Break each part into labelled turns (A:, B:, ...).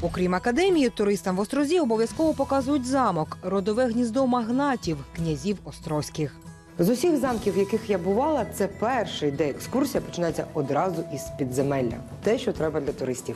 A: Окрім академії, туристам в Острозі обов'язково показують замок – родове гніздо магнатів, князів острозьких.
B: З усіх замків, в яких я бувала, це перший, де екскурсія починається одразу із підземелля. Те, що треба для туристів.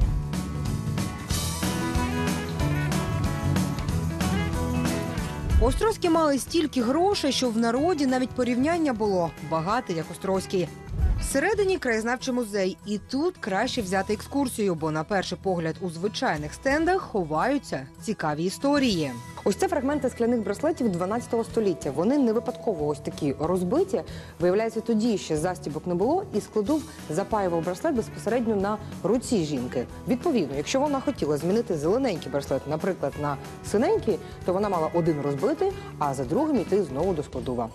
A: Острозькі мали стільки грошей, що в народі навіть порівняння було багатий, як острозький. Всередині краєзнавчий музей. І тут краще взяти екскурсію, бо на перший погляд у звичайних стендах ховаються цікаві історії.
B: Ось це фрагменти скляних браслетів 12 століття. Вони не випадково ось такі розбиті. Виявляється, тоді ще застібок не було, і складов запаював браслет безпосередньо на руці жінки. Відповідно, якщо вона хотіла змінити зелененький браслет, наприклад, на синенький, то вона мала один розбити, а за другим йти знову до складова.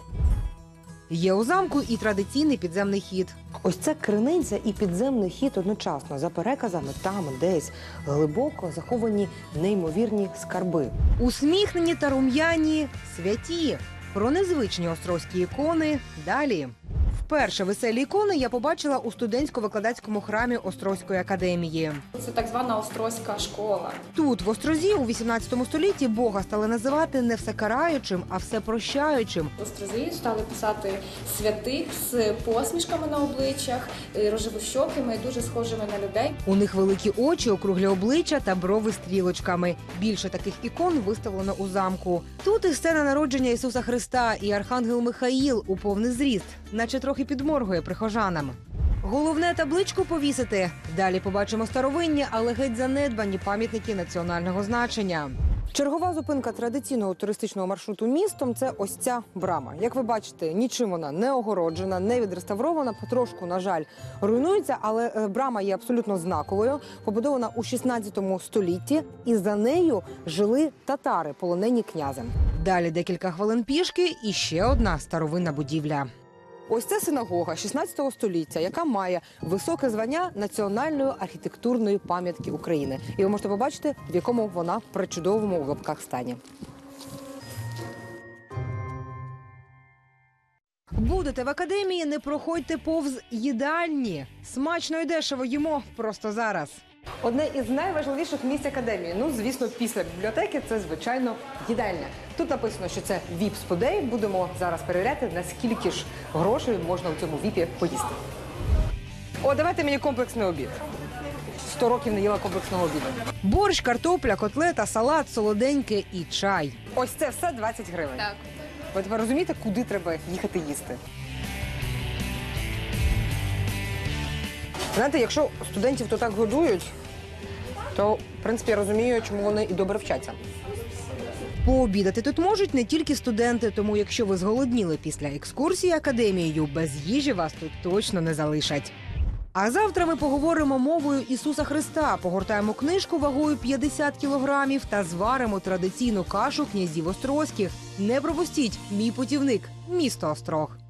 A: Є у замку і традиційний підземний хід.
B: Ось це криниця і підземний хід одночасно. За переказами, там десь глибоко заховані неймовірні скарби.
A: Усміхнені та рум'яні святі. Про незвичні острозькі ікони далі. Вперше веселі ікони я побачила у студентсько-викладацькому храмі Острозької академії.
C: Це так звана Острозька школа.
A: Тут, в Острозі, у 18 столітті Бога стали називати не всекараючим, а всепрощаючим.
C: В Острозі стали писати святих з посмішками на обличчях, рожевощокими, дуже схожими на людей.
A: У них великі очі, округлі обличчя та брови стрілочками. Більше таких ікон виставлено у замку. Тут і сцена народження Ісуса Христа, і архангел Михаїл у повний зріст, наче трохи підморгує прихожанам. Головне табличку повісити. Далі побачимо старовинні, але геть занедбані пам'ятники національного значення.
B: Чергова зупинка традиційного туристичного маршруту містом – це ось ця брама. Як ви бачите, нічим вона не огороджена, не відреставрована, потрошку, на жаль, руйнується, але брама є абсолютно знаковою, побудована у 16 столітті, і за нею жили татари, полонені князем.
A: Далі декілька хвилин пішки і ще одна старовинна будівля.
B: Ось це синагога 16 століття, яка має високе звання національної архітектурної пам'ятки України. І ви можете побачити, в якому вона при чудовому у лапках стані.
A: Будете в академії, не проходьте повз їдальні. Смачно і дешево їмо просто зараз.
B: Одне із найважливіших місць академії, ну, звісно, після бібліотеки, це, звичайно, їдальня. Тут написано, що це віп-сподей. Будемо зараз перевіряти, наскільки ж грошей можна у цьому віпі поїсти. О, давайте мені комплексний обід. 100 років не їла комплексного обіду.
A: Борщ, картопля, котлета, салат, солоденьке і чай.
B: Ось це все 20 гривень.
C: Так.
B: Ви тепер розумієте, куди треба їхати їсти? Знаєте, якщо студентів то так годують, то, в принципі, я розумію, чому вони і добре вчаться.
A: Пообідати тут можуть не тільки студенти, тому якщо ви зголодніли після екскурсії академією, без їжі вас тут точно не залишать. А завтра ми поговоримо мовою Ісуса Христа, погортаємо книжку вагою 50 кілограмів та зваримо традиційну кашу князів острозьких. Не пропустіть, мій путівник – місто Острог.